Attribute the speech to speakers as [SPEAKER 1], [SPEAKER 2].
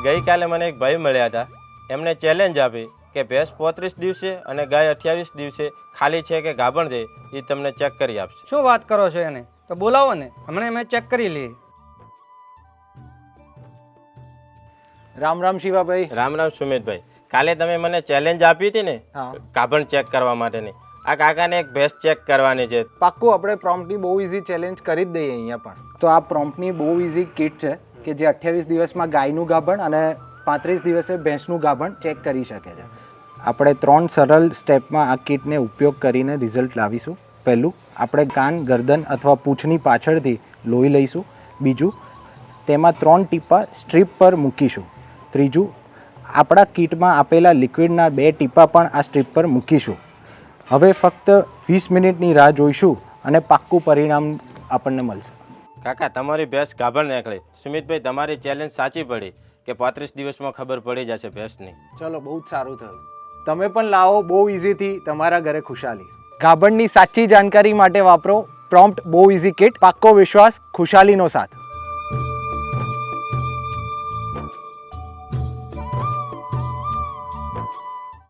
[SPEAKER 1] ગઈકાલે મને એક ભાઈ મળ્યા હતા. એમને ચેલેન્જ આપી કે ભેંસ 35 દિવસે અને ગાય 28 દિવસે ખાલી છે કે ગાભણ છે એ તમને ચેક કરી આપશે.
[SPEAKER 2] શું વાત કરો છો? એને તો બોલાવો ને, હમણાં મેં ચેક કરી લઈએ.
[SPEAKER 3] રામ રામ શિવાભાઈ.
[SPEAKER 1] રામ રામ સુમિતભાઈ. કાલે તમે મને ચેલેન્જ આપી હતી ને
[SPEAKER 3] હા.
[SPEAKER 1] ગાભણ ચેક કરવા માટેની, આ કાકાને એક ભેંસ ચેક કરવાની છે.
[SPEAKER 3] પાક્કું આપણે પ્રોમ્પ્ટની બહુ ઇઝી ચેલેન્જ કરી જ દઈએ અહીંયા પણ. તો આ પ્રોમ્પ્ટની બહુ ઇઝી કિટ છે કે જે 28 દિવસમાં ગાયનું ગાભણ અને 35 દિવસે ભેંસનું ગાભણ ચેક કરી શકે છે. આપણે 3 સરળ સ્ટેપમાં આ કિટને ઉપયોગ કરીને રિઝલ્ટ લાવીશું. પહેલું, આપણે કાન, ગરદન અથવા પૂંછની પાછળથી લોહી લઈશું. બીજું, તેમાં 3 ટીપા સ્ટ્રીપ પર મૂકીશું. ત્રીજું, આપણા કિટમાં આપેલા લિક્વિડના 2 ટીપા પણ આ સ્ટ્રીપ પર મૂકીશું. હવે ફક્ત 20 મિનિટની રાહ જોઈશું અને પાક્કું પરિણામ આપણને મળશે.
[SPEAKER 1] કાકા તમારી ભેંસ ગાભણ નીકળી. સુમિતભાઈ તમારી ચેલેન્જ સાચી પડી કે 35 દિવસમાં ખબર પડી જશે ભેંસની.
[SPEAKER 3] ચલો, બહુ જ સારું થયું. તમે પણ લાવો બહુ ઇઝીથી તમારા ઘરે ખુશાલી. ગાભણની સાચી જાણકારી માટે વાપરો પ્રોમ્પ્ટ બહુ ઇઝી કિટ. પાક્કો વિશ્વાસ, ખુશાલીનો સાથ.